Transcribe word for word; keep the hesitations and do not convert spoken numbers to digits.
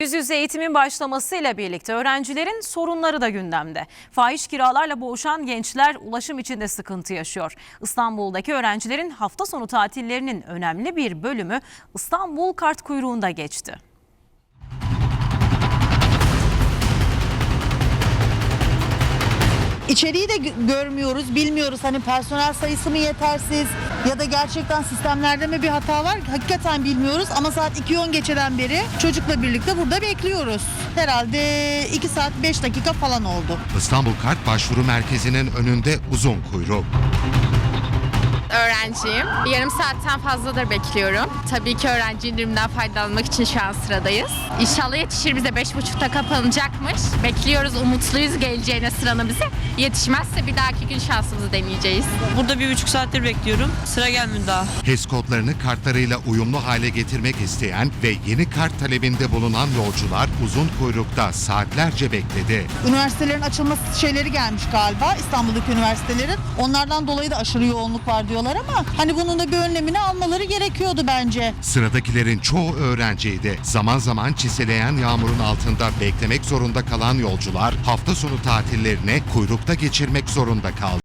Yüz yüze eğitimin başlamasıyla birlikte öğrencilerin sorunları da gündemde. Fahiş kiralarla boğuşan gençler ulaşım içinde sıkıntı yaşıyor. İstanbul'daki öğrencilerin hafta sonu tatillerinin önemli bir bölümü İstanbul kart kuyruğunda geçti. İçeriği de görmüyoruz, bilmiyoruz. Hani personel sayısı mı yetersiz ya da gerçekten sistemlerde mi bir hata var? Hakikaten bilmiyoruz ama saat iki on geçeden beri çocukla birlikte burada bekliyoruz. Herhalde iki saat beş dakika falan oldu. İstanbul Kart Başvuru Merkezi'nin önünde uzun kuyruk. Öğrenciyim. Yarım saatten fazladır bekliyorum. Tabii ki öğrenci indirimden faydalanmak için şu an sıradayız. İnşallah yetişir, bize beş buçukta kapanacakmış. Bekliyoruz, umutluyuz geleceğine sıranın bize. Yetişmezse bir dahaki gün şansımızı deneyeceğiz. Burada bir buçuk saattir bekliyorum. Sıra gelmedi daha. H E S kodlarını kartlarıyla uyumlu hale getirmek isteyen ve yeni kart talebinde bulunan yolcular uzun kuyrukta saatlerce bekledi. Üniversitelerin açılması şeyleri gelmiş galiba, İstanbul'daki üniversitelerin. Onlardan dolayı da aşırı yoğunluk var diyorlar ama hani bunun da bir önlemini almaları gerekiyordu bence. Sıradakilerin çoğu öğrenciydi. Zaman zaman çiseleyen yağmurun altında beklemek zorunda kalan yolcular hafta sonu tatillerini kuyrukta geçirmek zorunda kaldı.